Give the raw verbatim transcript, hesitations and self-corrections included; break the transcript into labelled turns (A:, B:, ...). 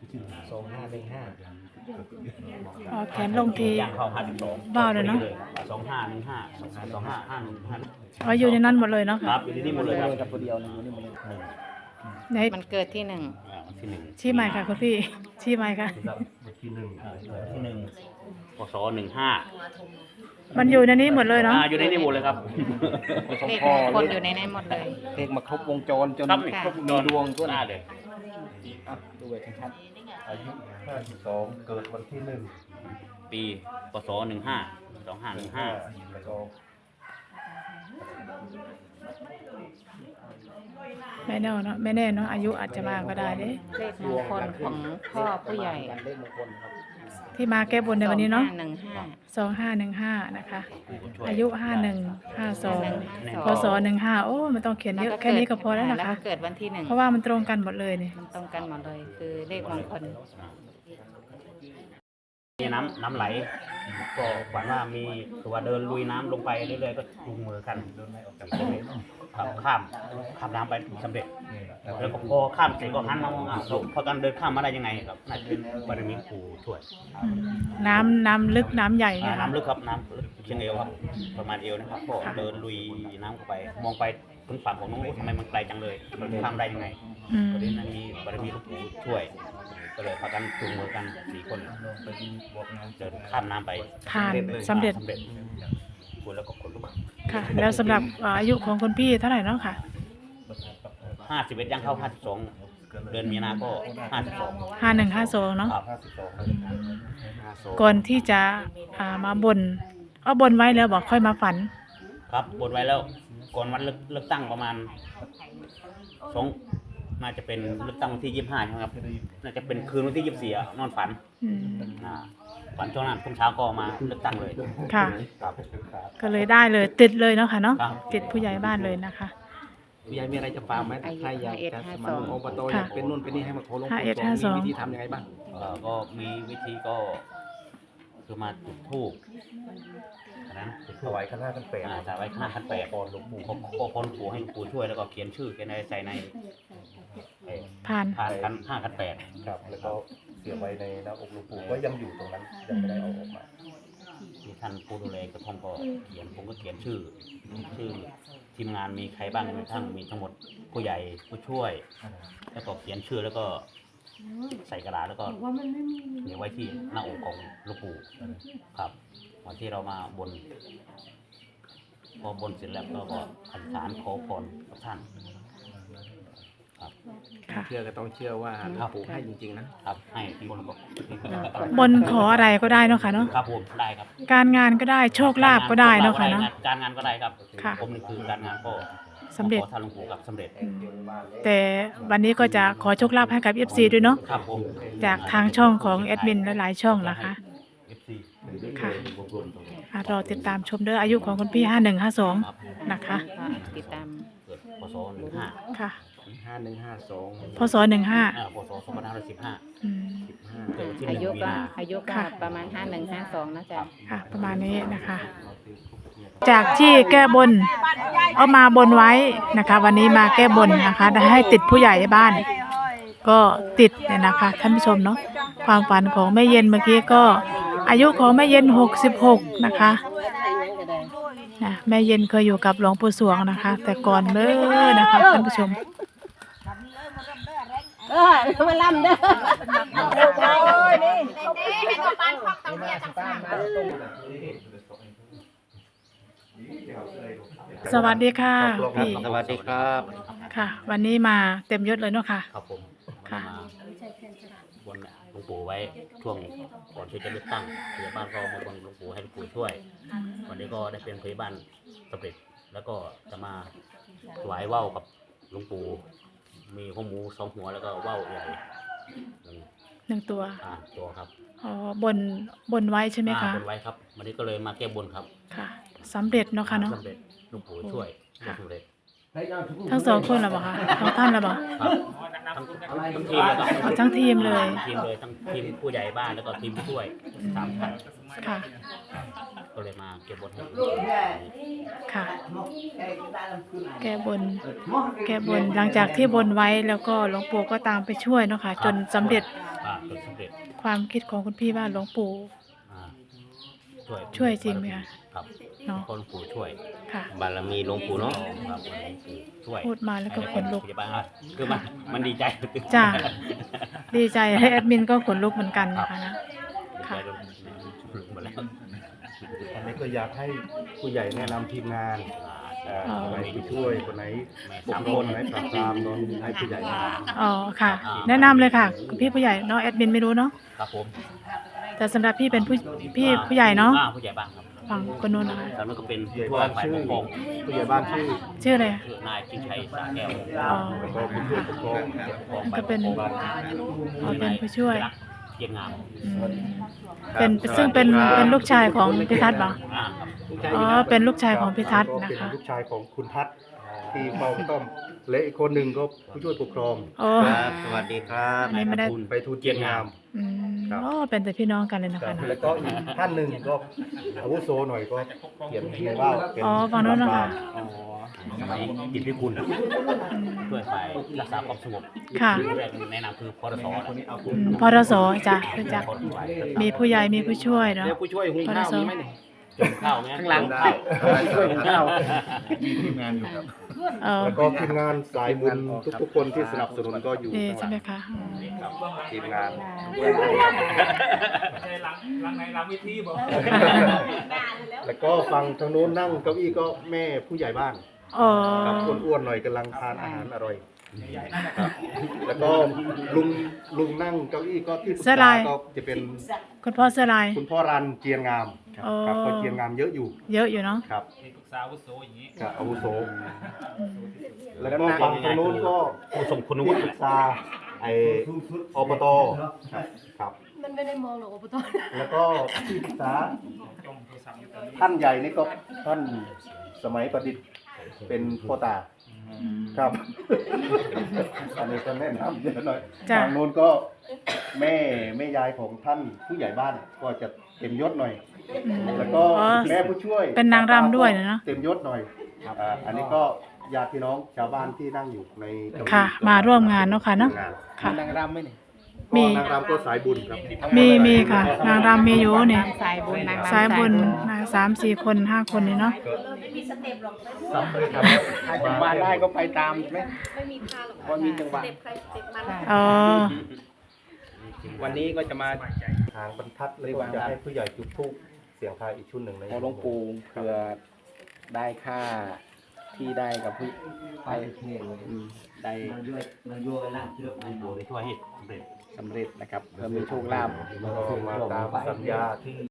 A: สองห้าหนึ่งห้า
B: อ๋อแขนลงที
C: ย่างเข้าห้าสิบสอง
B: ว้าวเลยเนาะ
C: สองห้าหนึ่งห้าสองห้าสองห้าห้าหนึ่งห้า
B: อ๋ออยู่ในนั้นหมดเลยเนาะ
C: ค
B: ค่ะ
C: รับอยู่ที่นี่หมดเลยครับ
A: กับตัวเดียวนะอยู่นี่หมดเลย
C: หนึ่ง
B: ไหน
D: มันเกิดที่หนึ่ง
C: อ่าวันที่หนึ่ง
B: ชี้ใหม่ค่ะคุณพี่ชี้ใหม่ค่ะ
C: วันที่หนึ่งอ่าวันที่หนึ่งพศหนึ่งห้า
B: มันอยู่ในนี้หมดเลยเนาะ
C: อ่าอยู่ในนี่หมดเลยครับ
D: เลขมงคลอยู่ในนั้นหมดเลย
A: เลขมาครบวงจรจน
C: ครับ
A: ครบมีดวงทั่ว
C: ห
A: ห
C: น้า
A: น้า
C: เลย
A: อ่ะดูไว้ชัด
E: อายุห้าสิบสองเกิดวันที่หนึ่ง
C: ปีพศหนึ่งห้าสองห้าหนึ่งห้า
E: แล้วก็
B: ไม่แน่เนาะไม่แน่เนาะอายุอาจจะมาก็ได้เด้
D: เลขมงคลของพ่อผู้ใหญ่
A: กันเลขมงคลครับ
B: ที่มาแก้บนในวันนี้เนาะ
D: หนึ่งห้า
B: สองห้าหนึ่งห้านะคะ
C: ช่วย
B: อายุห้าหนึ่งห้าสอง
D: 51
B: พศหนึ่งห้าโอ้มันต้องเขียนเยอะแค่นี้ก็พอแล้วนะ
D: แล้ว
B: คะ
D: ก็เกิดวันที่หนึ่ง
B: เพราะว่ามันตรงกันหมดเลยนี่
D: มันตรงกันหมดเลย คือเลขมงคล
C: มีน้ำน้ำไหล ก็ฝันว่ามีตัวเดินลุยน้ำลงไปเรื่อยๆก็จูงมือกันเดินไม่ออกจากตรงนี้ครับข้ามข้ามน้ำไปสำเร็จ แล้วก็พอข้ามเสร็จก็หันมามองอ่ะเราพอตอนเดินข้ามมาได้ยังไงครับน่าจะเป็นบารมีปู่ช่วย
B: อืมน้ำน้ำลึกน้ำใหญ่
C: อ่า
B: เนี่ยค่ะ
C: น้ำลึกครับน้ำลึกเชียงเอวครับประมาณเอวนะครับก็เดินลุยน้ำเข้าไป มองไปถึงฝั่งของน้องโอ้ทำไมมันไกลจังเลยมันข้ามได้ยังไง
B: อืม
C: ตอนนี้มันมีบารมีหลวงปู่ช่วย ก็เลยพากันจูงมือกันสี่คนเดินข้ามน้ำไป
B: ผ่านสำเร็จ
C: สำเร็จคุณแล้วก็คนลุก
B: ค่ะ แล้วสำหรับอ่าอายุของคุณพี่เท่าไหร่เนาะค่ะ
C: ห้าสิบเอ็ดย่างเข้าห้าสิบสองเดือนมีนาก็ห้าสิบสอง
B: ห้าหนึ่งห้าสองเนาะ
C: ครับ
E: ห้าสิบสอง
C: ห้าสอง
B: ก่อนที่จะอ่ามาบนเอาบนไว้แล้วบอกค่อยมาฝัน
C: ครับบนไว้แล้วก่อนวันเลือกเลือกตั้งประมาณสองน่าจะเป็นเลือกตั้งวันที่ยี่สิบห้าใช่ไหมครับน่าจะเป็นคืนวันที่ยี่สิบสี่อะนอนฝัน
B: อืม
C: อ่าฝันช่วงนั้นทุ่มเช้าก็มาเลือกตั้งเลย
B: ค่ะ
C: ครับ
B: ก็เลยได้เลยติดเลยเนาะค่ะเนาะ
C: ครับ
B: ติดผู้ใหญ่บ้านเลยนะคะ
A: ผู้ใหญ่มีอะไรจะฝากไหมใครอยากจะสมัครอบตอยากเป็นนู่นเป็นนี่ให้มาขอหลวง
B: ห้า
A: ปู่
B: เอ็ด
A: สว
B: ห้าง สอง
A: มีวิธีทำยังไงบ้าง
C: เอ่อก็มีวิธีก็คือมาจุดธูปอันนั้นจุด
E: ถ
C: ธูป
E: วายคณะกันแปด
C: อ่าถวายข้าขั้นแปด
E: พรหลวงปู่
C: ขอขอพรหลวงปู่ให้หลวงปู่ช่วยแล้วก็เขียนชื่อเขียนอะไรใส่ในเอ่อ
B: ผ่าน
C: ผ่านขันห้าขันแปด
E: ครับแล้วก็เสียบไว้ในหน้าอกหลวงปู่ก็ยังอยู่ตรงนั้นยังไม่ได้เอาออกมา
C: ที่ท่านผู้ดูแลกระท่อมก็เขียนผมก็เขียนชื่อ ชื่อทีมงานมีใครบ้างมีทั้งมีทั้งหมดผู้ใหญ่ผู้ช่วย แล้วก็เขียนชื่อแล้วก็ใส่กระดาษแล้วก็เขียนไว้ที่หน้าอกของหลวงปู่ครับวันที่เรามาบน พอบนเสร็จแล้วก็ก็อธิษฐานขอพรกับท่านครับ
B: ค่ะ
A: เชื่อก็ต้องเชื่อว่าหลวงปู่ให้จริงๆนะครับ
C: ให้ที่คนบอก
B: บนขออะไรก็ได้เนาะค่ะเนาะ
C: ครับผมได้ครับ
B: การงานก็ได้โชคลาภก็ได้เนาะค่ะเนาะ
C: การงานก็ได้ครับ
B: ค่ะ
C: ผมนี่คือการงานก็
B: สำเร็จ
C: ขอท่านหลวงปู่กับสำเร็จ
B: อืมแต่วันนี้ก็จะขอโชคลาภให้กับ เอฟ ซี ด้วยเนาะ
C: ครับผม
B: จากทางช่องของแอดมินหลายๆช่องนะคะ
C: เอฟซี
B: ค่ะ อ่ะรอติดตามชมเด้ออายุของคุณพี่ห้าหนึ่งห้าสอง
C: ครับ
B: นะคะ
D: ก็ติดตาม
C: เกิดพศหนึ่งห้า
B: ค่ะ
A: ห้าหนึ่งห้าสอง
B: พศหนึ่งห้า
C: อ่าพศสองพันห้าร้อยสิบห้า
B: อืม
A: สิบห้า
C: เกิดวันที่ห
D: อา
C: นึ่ง
D: ยุ
C: มี
D: ก็
C: นา
D: อายุก็
B: ค่ะ
D: ประมาณห้าหนึ่งห้าสองนะจ๊ะ
B: ค่ะ ประมาณนี้นะคะ จากที่แก้บนเอามาบนไว้นะคะ วันนี้มาแก้บนนะคะได้ให้ติดผู้ใหญ่บ้าน ก็ติดเนี่ยนะคะท่านผู้ชมเนาะความฝันของแม่เย็นเมื่อกี้ก็อายุของแม่เย็นหกสิบหกนะคะนะแม่เย็นเคยอยู่กับหลวงปู่สวงนะคะ แต่ก่อนเลยนะคะท่านผู้ชม
F: เออมาลำเด้อ
B: สวัสดีค่ะพี่
A: สวัสดีครับ
B: ค่ะ วันนี้มาเต็มยศเลยเนาะค่ะ
C: ครับผม
B: ค่ะ
C: มาบนหลวงปู่ไว้ช่วงก่อนที่จะเลือกตั้งพยาบาลก็มาบนหลวงปู่ให้หลวงปู่ช่วย วันนี้ก็ได้เป็นพยาบาลสำเร็จ แล้วก็จะมาถวายว่าวกับหลวงปู่มีหัวหมูสองหัวแล้วก็ว่าวใหญ่หนึ่ง
B: หนึ่งตัว
C: อ่าตัวครับ
B: อ๋อบนบนไว้ใช่ไหมคะ
C: อ่าบนไว้ครับ วันนี้ก็เลยมาแก้บนครับ
B: ค่ะสำเร็จเนาะค่ะเนาะ
C: สำเร็จหลวงปู่ช่วย
B: ค่ะ
C: สำเร็จ
B: ทั้งสองคนเหรอเปล่าคะทั้งท่านเหรอเปล่า
C: ครับทั้งทั้งทีมเลยครับ
B: เอาทั้งทีมเลย
C: ทีมเลยทั้งทีมผู้ใหญ่บ้านแล้วก็ทีมผู้ช่วยสามท่าน
B: ค่ะ
C: กก็เลยมาเก็บบนให้
B: ค่ะ แก้บน แก้บนหลังจากที่บนไว้แล้วก็หลวงปู่ก็ตามไปช่วยเนาะค่ะจนสำเร็จ
C: อ่าจนสำเร็จ
B: ความคิดของคุณพี่ว่าหลวงปู่
C: อ่าช่วย
B: ช่วยจริงไหมคะ
C: ครับ
B: เนาะ
C: คนปู่ช่วย
B: ค่ะ
A: บารมีหลวงปู่เนาะ
C: ครับช่วย
B: พูดมาแล้วก็ขนลุก
C: พยาบาลอ่ะคือมันมันดีใจ
B: จ้า ดีใจให้แอดมินก็ขนลุกเหมือนกันนะคะนะ
C: ดีใจ
B: ค่ะ
C: จนหมดแล้ว
E: อันนี้ก็อยากให้ผู้ใหญ่แนะนำทีมงานเอ่อ
B: อ๋อ
E: คนไหนไปช่วยคนไหนปกครองคนไหนปราบปรามเนาะให้ผู้ใหญ่แนะนำ
B: อ๋อค่ะ แนะนำเลยค่ะคุณพี่ผู้ใหญ่เนาะแอดมินไม่รู้เนาะ
C: ครับผม
B: แต่สำหรับพี่เป็นผู้พี่ผู้ใหญ่เนาะ
C: อ่ผู้ใหญ่บ้านครับ
B: ฝั่งคนนู้นนะคะ
C: ตอนนั้นก็เป็น
E: ผู้ใหญ่
C: ผู้
E: บ้าน
C: ฝ่าย
E: ชื่อ
C: ปกครอง
E: ผู้ใหญ่บ้านชื่อ
B: ชื่ออะไร
C: คือนายจิงชัยสาแก้ว
B: อ๋อ
E: แล้วก็ผู้ช่วยปกครอง
C: ของ
B: ก็เป็น
C: ฝ่ายปกครอง
B: อ๋อเป็นผู้ช่วย
C: เกียรติงาม
B: อืมเป็นซึ่งเป็นเป็นลูกชายของพิทัศน์เหรอ
C: อ่าครับ
B: อ๋อเป็นลูกชายของพิทัศน์
E: ก็
B: นะ
E: เป็น
B: คะ
E: ลูกชายของคุณทัศน์ที่เฝ้าต้อมและอีกคนหนึ่งก็ผู้ช่วยปกครอง
B: โอ้
A: ครับสวัสดีครับ
B: อันนี้ไม่ได้
E: ไปทูลเกียรติงาม
B: อืม
E: ครับ
B: โอ้เป็นแต่พี่น้องกันเลยนะ
E: ครั
B: คะ
E: บ
B: นะ
E: แล้วก็อีกท่านหนึ่งก็อาวุโสหน่อยก็เขียนในว่าวเป็น
B: อ๋อฝั่งนู้นนะคะ
C: อ๋อสมัยกิจพิคุณช่วยฝ่ายรักษาความสงบ
B: ค่ะ
C: แรกแนะนำคือพรสนะ
B: อืมพรสจ้ะรู้จัก มีผู้ใหญ่มีผู้ช่วยเนาะ
A: เดี๋ยวผู้ช่วยหุงข้าวมีไหมเนี่ย
C: จนข้าวไหม
A: ข้างหลัง
C: ข้าว
A: ช่วยหุงข้าว
B: เออ
E: แล้วก็ทีมงานสายบุญทุกๆคนที่สนับสนุนก็อยู่
B: ดี
E: ข้าง
B: ใช่
E: ห
B: ไหม
E: ลัง
B: คะอืม
E: ครับทีมงาน แล้วก็ฟังทางโน้นนั่งเก้าอี้ก็แม่ผู้ใหญ่บ้าน
B: อ๋อ
E: ครับอ้วนๆหน่อยกำลังทานอาหารอร่อยครับแล้วก็ลุงลุงนั่งเก้าอี้ก็ที่ปรึกษาก็จะเป็น
B: คุณพ่อเสื้อลาย
E: คุณพ่อรันเจียงงามครับ
B: อ๋อ
E: ครับก็เจียงงามเยอะอยู่
B: เยอะอยู่เนาะ
E: ครับ
C: ปรึกษาวุโสอย่างนี้
E: ครับอาวุโส
B: อืม
E: แล้วก็ฝั่งทางโน้นก็
C: ผู้ทรงคุณ
E: ที่
C: วุฒิ
E: ปรึกษาไออบตครับครับ
F: มันไม่ได้มองหรอกอบต
E: แล้วก็ที่ปรึกษาท่านใหญ่นี่ก็ท่านสมัยประดิษฐ์เป็นพ่อตาครับอันนี้ก็แนะนำเยอะหน่อย
B: จ้ะ
E: ทางโน้นก็แม่แม่ยายของท่านผู้ใหญ่บ้านก็จะเต็มยศหน่อย
B: อืม
E: แล้วก็
B: อ๋อ
E: แม่ผู้ช่วย
B: เป็นนางรำด้วยเนอะ
E: เต็มยศหน่อยอ่าอันนี้ก็ญาติพี่น้องชาวบ้านที่นั่งอยู่ในเก้อี้
B: ค่ะ มาร่วมงานเนาะค่ะเนาะ
E: งาน
B: ค่ะ
A: นางรำไหมเนี่ย
B: มี
E: ก็นางรำก็สายบุญครับ
B: มีมีค่ะ นางรำมีอยู่เนี่ย
D: สายบุญนางรำ
B: สายบุญนะสามสี่คนห้าคนนี่เนาะ
E: ซ้ำเลยครับ
A: ถ้าจังหวะได้ก็ไปตามใช่ไหม
F: ไม่มีค่าหรอก
A: ว่ามีจังหวะ
F: เจ็บใครเจ็บมัน
B: อ๋อ
A: วันนี้ก็จะมา
E: ทางบรรทัดเลยว่าจะให้ผู้ใหญ่จุดธูปเสียงทายอีกชุดหนึ่งใน
A: ขอหลวงปู่เผื่อได้ค่าที่ได้กับผู้ไปอืมได้
C: ช่วยให้สำเร็จ
A: สำเร็จนะครับเพื่อมีโชคลาภ
E: แล้วก็มาตามสัญญาที่